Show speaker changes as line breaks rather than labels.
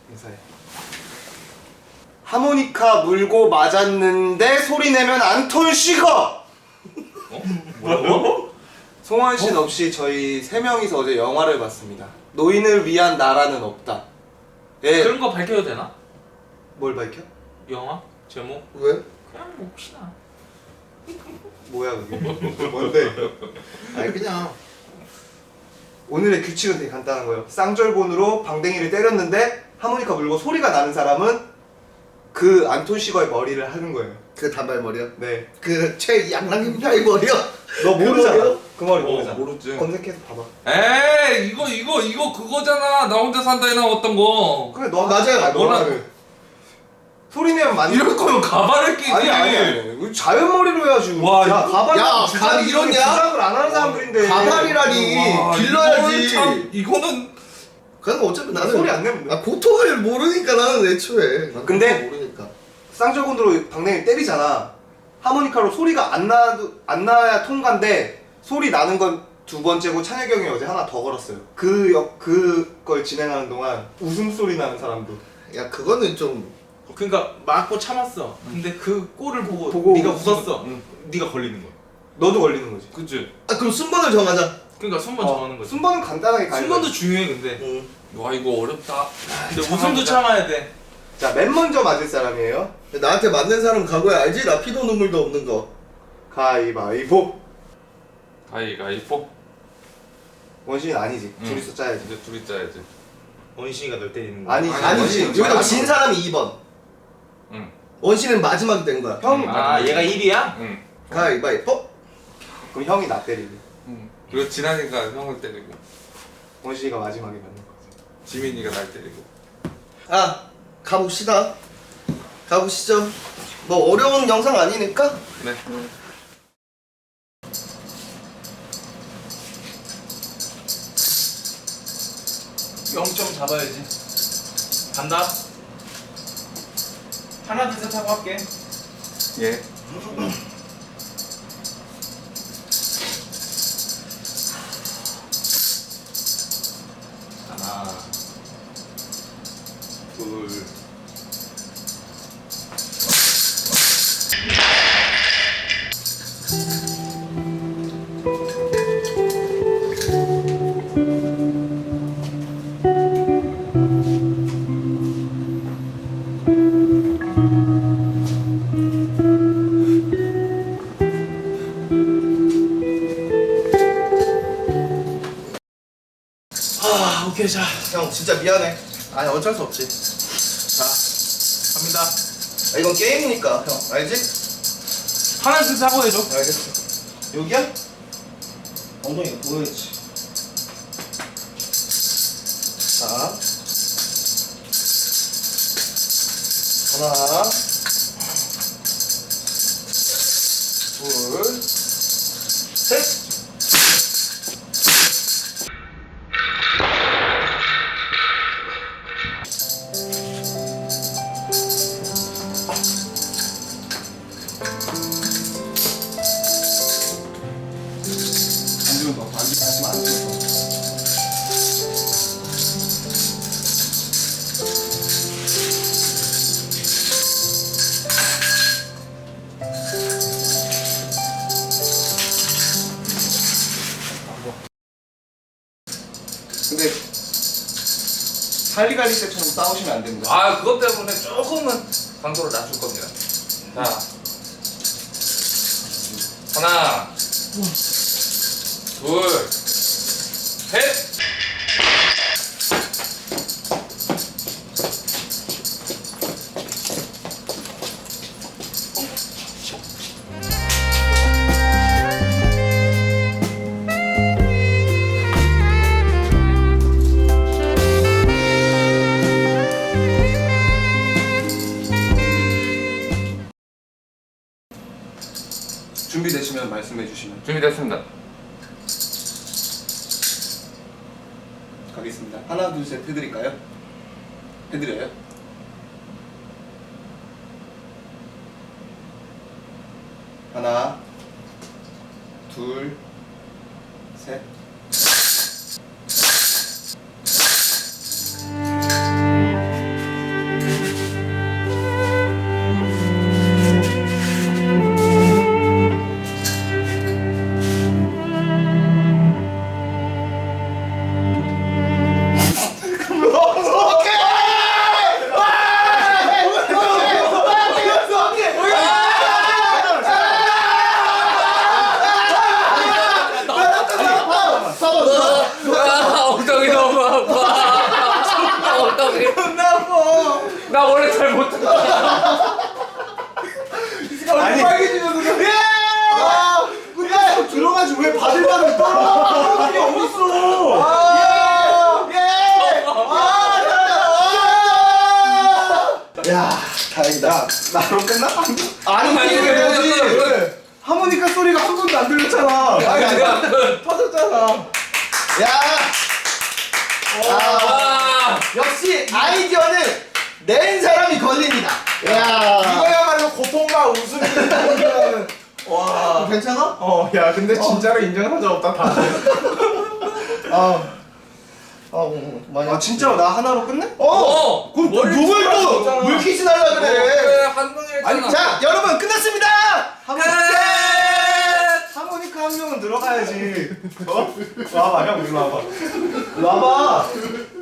인사해. 하모니카 물고 맞았는데 소리 내면 안톤 쉬거.
뭐라고?
송원 씨 없이 저희 세 명이서 어제 영화를 봤습니다. 노인을 위한 나라는 없다. 예.
그런 거 밝혀도 되나?
뭘 밝혀?
영화? 제목?
왜?
그냥 뭐 혹시나.
뭐야 그게? 뭔데?
아니 그냥
오늘의 규칙은 되게 간단한 거예요. 쌍절곤으로 방댕이를 때렸는데 하모니카 물고 소리가 나는 사람은 그 안톤 시거의 머리를 하는 거예요.
그 단발머리요?
네.
그 최양락님의 머리요?
너 모르잖아.
머리요?
그 머리 모르잖아.
모르지.
검색해서 봐봐.
에이 이거 그거잖아. 나 혼자 산다에 나왔던 거.
그래 너
맞아요.
아,
뭐라-
너는 소리 내면 맞는.
이럴 거면 가발을 끼지.
아니. 자연 머리로 해야지.
와,
야 가발.
야, 가발 이러냐?
주작을 안 하는 사람들인데.
가발이라니
와,
길러야지.
이거는 참, 이거는
그래서 어차피 나는
소리 안 내면 돼.
고통을 모르니까 나는 애초에 난
근데-
고통을 모르니까
쌍절곤으로 방댕이 때리잖아. 하모니카로 소리가 안 나야 통과인데 소리 나는 건 두 번째고 찬혁이 형이 어제 하나 더 걸었어요. 그걸 진행하는 동안 웃음소리 나는 사람도.
야 그거는 좀
그러니까 맞고 참았어. 근데 그 꼴을 보고
네가
네가 웃었어.
응.
네가 걸리는 거야.
너도 걸리는 거지.
그치.
그럼 순번을 정하자.
그러니까 순번 정하는 거지.
순번은 간단하게 가는
순번도
거야.
중요해 근데.
응.
와 이거 어렵다.
근데 웃음도 참아야 돼.
자, 맨 먼저 맞을 사람이에요.
나한테 맞는 사람 각오야 알지? 나 피도 눈물도 없는 거.
가위바위보.
가위바위보.
원신이 아니지.
응.
둘이서 짜야지.
이제 둘이 짜야지.
원신이가 널 때리는 거야.
아니지.
아니지.
원신이
여기서
맞아.
진 사람이 2번.
응.
원신은 마지막이 된 거야.
형.
아 얘가 1위야?
응.
가위바위보.
그럼 형이 나 때리고.
응. 그리고 지난이가 형을 때리고
원신이가 마지막에 맞는 거지.
지민이가 날 때리고.
아 가봅시다. 가보시죠. 뭐 어려운 영상 아니니까.
네.
0점 잡아야지. 간다. 하나 둘 셋 하고 할게.
예.
하나, 둘. 아 오케이 자.
형 진짜 미안해. 아니 어쩔 수 없지.
자 갑니다.
아, 이건 게임이니까 형 알지?
하나 둘 셋 하고 해줘.
알겠어. 여기야? 엉덩이가 보여야지. 자 하나 둘 셋.
안 주면 너 반지 다시면 안 줘. 근데 할리갈리 때처럼 싸우시면 안 됩니다.
아 그것 때문에 조금은 강도를 낮출 겁니다. 자 하나 둘 셋.
준비되시면 말씀해 주시면
준비됐습니다.
가겠습니다. 하나 둘 셋 해드릴까요? 해드려요? 하나 둘 셋.
나 원래 잘 못한다.
아니
빨개지면서
야! 끝났어 들어가지 왜 바들바들 떨어? 그게 어딨어?
야 다행이다.
나로 끝나?
아니
아니,
이게
그래,
뭐지?
그래, 그래.
하모니카 소리가 한 번도 안 들렸잖아.
아니 아니야. 터졌잖아. 야.
와.
역시 아이디어는 낸 사람이 걸립니다. 야.
이거야말로 고통과 웃음이 공존하는. 와.
괜찮아?
어, 야, 근데 진짜로 인정한 적 없다 다.
많이.
아 진짜로 나 하나로 끝내?
어.
그럼
머리
누굴 또
찔렀잖아.
물키스 날라 그래.
그래 한 명이 했잖아.
아니 자 여러분 끝났습니다.
하모니카 한 명은 들어가야지. 어? 와봐 형 일로 와봐.
와봐.